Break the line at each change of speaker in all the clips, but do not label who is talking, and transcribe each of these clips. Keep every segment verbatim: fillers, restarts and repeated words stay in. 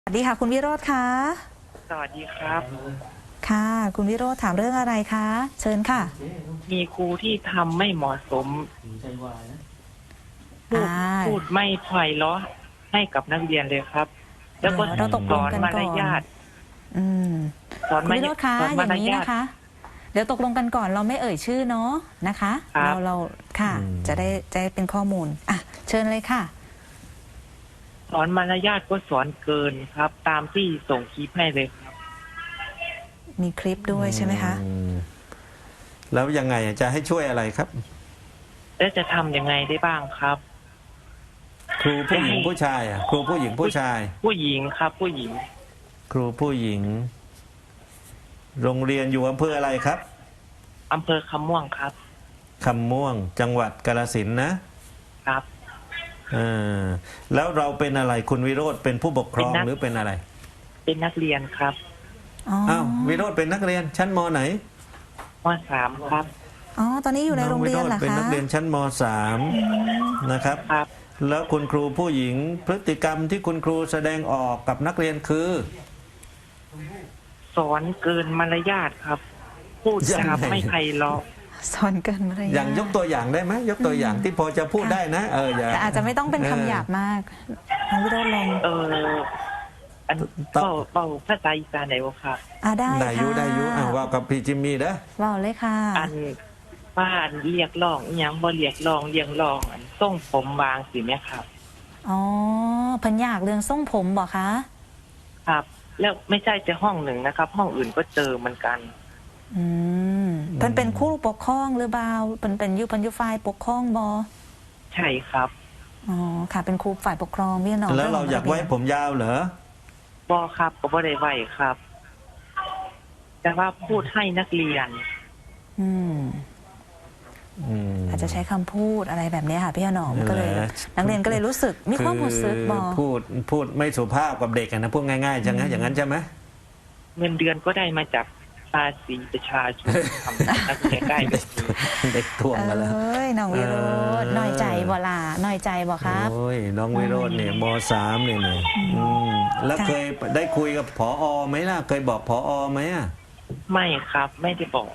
สวัสดีค่ะคุณวิโรจน์คะ
สวัสดีครับ
ค่ะคุณวิโรจน์ถามเรื่องอะไรคะเชิญค่ะ
มีครูที่ทำไม่เหมาะสมพูดพูดไม่ไพเราะให้กับนักเรียนเลยครับแล้วก็
เราตกลง
สอน
กัน
มาร
ก่อน
ยาท
อืม
สอน
คุณวิโรจน์คะ
สอน
อ
มาร
ย่างนี้
ยาท
นะคะเดี๋ยวตกลงกันก่อนเราไม่เอ่ยชื่อเนาะนะคะเราเราค่ะจะได้จะได้เป็นข้อมูลอ่ะเชิญเลยค่ะ
สอนมารยาทก็สอนเกินครับ ตามที่ส่งคลิปให้เลยครับ
มีคลิปด้วยใช่ไหมคะ
แล้วยังไงจะให้ช่วยอะไรครับ
แล้วจะทำยังไงได้บ้างครับ
ครูผู้หญิงผู้ชายอ่ะครูผู้หญิงผู้ชาย
ผู้หญิงครับ ผู้หญิง
ครูผู้หญิง โรงเรียนอยู่อำเภออะไรครับ
อำเภอคำม่วงครับ
คำม่วงจังหวัดกาฬสินธุ์นะครับเออแล้วเราเป็นอะไรคุณวิโรจน์เป็นผู้ปกครองหรือเป็นอะไร
เป็นนักเรียนครับ
อ้าววิโรจน์เป็นนักเรียนชั้นมไหน
มสามครับ
อ๋อตอนนี้อยู่ในโรงเรียนเหรอคะ
เป็นนักเรียนชั้นมสามนะครับ
ครับ
แล้วคุณครูผู้หญิงพฤติกรรมที่คุณครูแสดงออกกับนักเรียนคือ
สอนเกินมารยาทครับ พูดจาไม่ไพเราะ
สอนเกินมารยาท
อย่างยกตัวอย่างได้ไหมยกตัวอย่างที่พอจะพูดได้นะเอออย่า
แต่อาจจะไม่ต้องเป็นคำหยาบมากน้องวิโรจน์ลอง
เอออันเป่าเป่าภาษาอีสานไหนวะครับ
อ่าได้
ได้ยุได้ยุอ่าว่ากับพี่จิมมี่เด้อ
ว่าเลยค่ะ
อันบ้านเรียกร้องยังบ่เรียกร้องเรียงร้องอันส่งผมวางสิแม่ครับ
อ๋อเพิ่นอยากเรื่องส่งผมบอกคะ
ครับแล้วไม่ใช่จะห้องหนึ่งนะครับ ห้องอื่นก็เจอเหมือนกัน
อืมเพิ่นเป็นครูปกครองหรือเปล่าเพิ่นเป็นอยู่เพิ่นอยู่ฝ่ายปกครองบ่
ใช่ครับ
อ๋อค่ะเป็นครูฝ่ายปกครองพี่น้อง
แล้วเราอยากไว้ผมยาวเหรอ
บ่ครับก็บ่ได้ไว้ครับแต่ว่าพูดให้นักเรียน
อืมอาจจะใช้คำพูดอะไรแบบนี้ค่ะพี่หนอมก็เลยนักเรียนก็เลยรู้สึกมีความรู้สึกบอ
พูดพูดไม่สุภาพกับเด็กนะพูดง่ายๆใช่ไหมอย่างนั้นใช่ไหม
เงินเดือนก็ได้มาจากภาษีประชาชนทำนักเรียนได้
เด็กทวงมาแล้ว
เอ้ยน้องวิโรจน์น้อยใจบ่ล่ะน้อยใจบ่ครับ
โอ้ยน้องวิโรจน์เนี่ยมสามเนี่ยเนี่ยแล้วเคยได้คุยกับผอไหมล่ะเคยบอกผอไหมอ่ะ
ไม่ครับไม่ได้บอก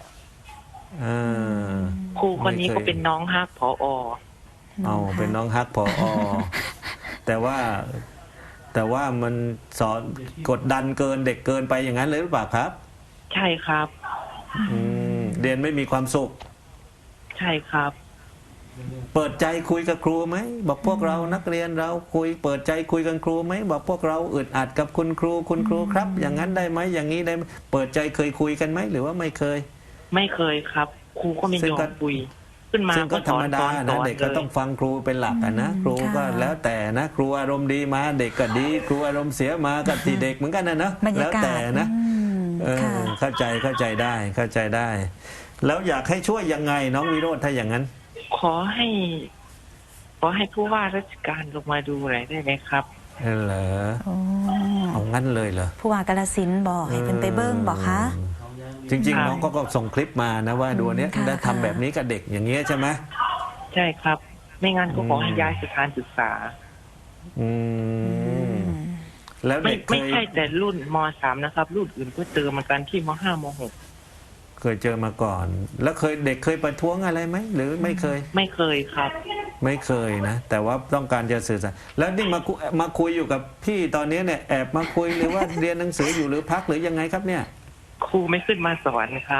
ครูคนนี้ก็เป็นน้องฮักผอ
เอาเป็นน้องฮักผอแต่ว่าแต่ว่ามันสอนกดดันเกินเด็กเกินไปอย่างนั้นเลยหรือเปล่าครับ
ใช่ครับ
เรียนไม่มีความสุข
ใช่ครับ
เปิดใจคุยกับครูไหมบอกพวกเรานักเรียนเราคุยเปิดใจคุยกับครูไหมบอกพวกเราอึดอัดกับคุณครูคุณครูครับ อย่างนั้นได้ไหมอย่างนี้ได้เปิดใจเคยคุยกันไหมหรือว่าไม่เคย
ไม่เคยครับครูก็ไม่ยอมคุยขึ้นมา
ก็ธรรมดานะเด็กก็ต้องฟังครูเป็นหลักนะครูก็แล้วแต่นะครูอารมณ์ดีมาเด็กก็ดีครูอารมณ์เสียมาก็ตีเด็กเหมือนกันนะเนาะแล้วแต่นะเออเข้าใจเข้าใจได้เข้าใจได้ แล้วอยากให้ช่วยยังไงน้องวิโรจน์ถ้าอย่างนั้น
ขอให้ขอให้ผู้ว่าราชการลงมาดูหน่อยได้ไหมครับ
เออเหรอเอางั้นเลยเหรอ
ผู้ว่ากาฬสินธุ์บอกให้เป็นไปเบิ้งบอกคะ
จริงๆน้องก็ก็ส่งคลิปมานะว่าดูเนี้ยได้ทำแบบนี้กับเด็กอย่างเงี้ยใช่ไหม
ใช่ครับไม่งั้นก็ขอให้ย้ายสถานศึกษา
อืมแล้วเด็ก
ไม่ใช่แต่รุ่นมสามนะครับรุ่นอื่นก็เจอเหมือนกันที่มห้ามหก
เคยเจอมาก่อนแล้วเคยเด็กเคยประท้วงอะไรไหมหรือไม่เคย
ไม่เคยครับ
ไม่เคยนะแต่ว่าต้องการจะสื่อสารแล้วนี่มามาคุยอยู่กับพี่ตอนนี้เนี่ยแอบมาคุยหรือว่าเรียนหนังสืออยู่หรือพักหรือยังไงครับเนี่ย
ครูไม่ขึ้นมาสอนครับ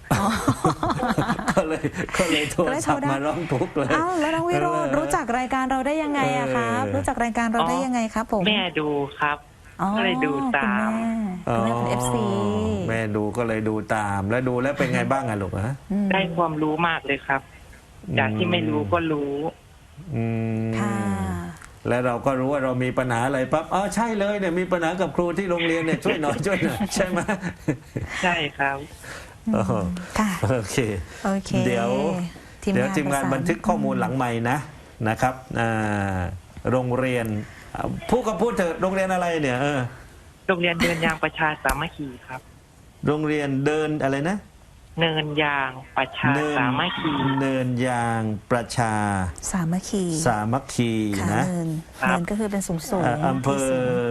ก็เลยก็เลยโทรศัพท์มาร้องทุกข์เลย
อ้าวแล้วน้องวิโรจน์รู้จักรายการเราได้ยังไงอะครับรู้จักรายการเราได้ยังไงครับผม
แม่ดูครับก็เลยดูตาม
คุณแม่เป็นเอฟซี
แม่ดูก็เลยดูตามแล้วดูแล้วเป็นไงบ้างอะลูกฮะ
ได้ความรู้มากเลยครับจากที่ไม่รู้ก็รู้
ค่ะ
แล้วเราก็รู้ว่าเรามีปัญหาอะไรปั๊บอ๋อใช่เลยเนี่ยมีปัญหากับครูที่โรงเรียนเนี่ยช่วยหน่อยช่วยหน่อยใช่ไหม
ใช่ครับ
ค่ะ
โอเคเดี๋ยวเดี๋ยวทีมงานบันทึกข้อมูลหลังใหม่นะนะครับโรงเรียนพูดก็พูดเถอะโรงเรียนอะไรเนี่ยเออ
โรงเรียนเดินยางประชาสามัคคีครับ
โรงเรียนเดินอะไรนะ
เนินยางประชาสามัคคี
เนินยางประชา
สามัคคี
สามัคคีนะ
เนินเนินก็คือเป็นสูงสูง
อำเภอ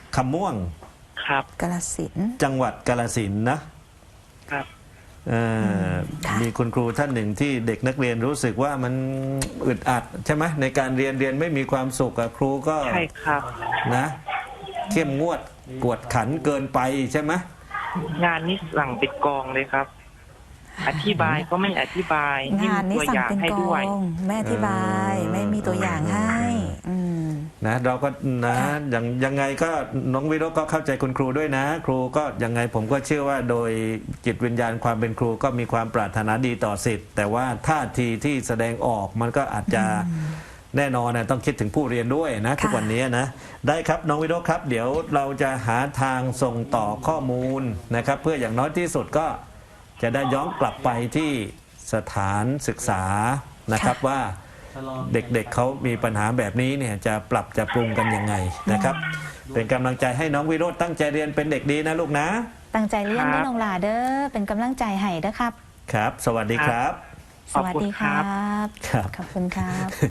คำม่วง
ครับ
กาฬสินธุ์
จังหวัดกาฬสินธุ์นะครับ เอ่อ
ค่ะ
มีคุณครูท่านหนึ่งที่เด็กนักเรียนรู้สึกว่ามันอึดอัดใช่ไหมในการเรียนเรียนไม่มีความสุขอะครูก็
ใช่ครับ
นะเข้มงวดกวดขันเกินไปใช่ไหม
งานนี้สั่งเป็นกองเลยครับ อธิบายก็ไม่อธิบาย
งานนี้
ตัว
สั่
อง ย่าง
เป็น
ให้
ก
ด้วย
องแม่อธิบาย
เออ
ไม่มีตัวอย่างให้ อืม
นะเราก็นะ
ค่ะ
อย่างยังไงก็น้องวิโรจน์ก็เข้าใจคุณครูด้วยนะ ครูก็ยังไงผมก็เชื่อว่าโดยจิตวิญญาณความเป็นครูก็มีความปรารถนาดีต่อสิทธิ์แต่ว่าท่าทีที่แสดงออกมันก็อาจจะแน่นอนนะต้องคิดถึงผู้เรียนด้วยนะทุกวันนี้นะได้ครับน้องวิโรจน์ครับ เดี๋ยวเราจะหาทางส่งต่อข้อมูลนะครับ เพื่ออย่างน้อยที่สุดก็จะได้ย้อนกลับไปที่สถานศึกษานะครับ
ค่ะ
ว่าเด็กๆเเขามีปัญหาแบบนี้เนี่ยจะปรับจะปรุงกันยังไงนะครับ เป็นกำลังใจให้น้องวิโรจน์ตั้งใจเรียนเป็นเด็กดีนะลูกนะ
ตั้งใจเรียน
ครับ
เด้อน้องหลาเด้อเป็นกำลังใจให้เด้อครับ
ครับ สวัสดีครับ
สวัสดีครับ
ครับ
ขอบคุณครับ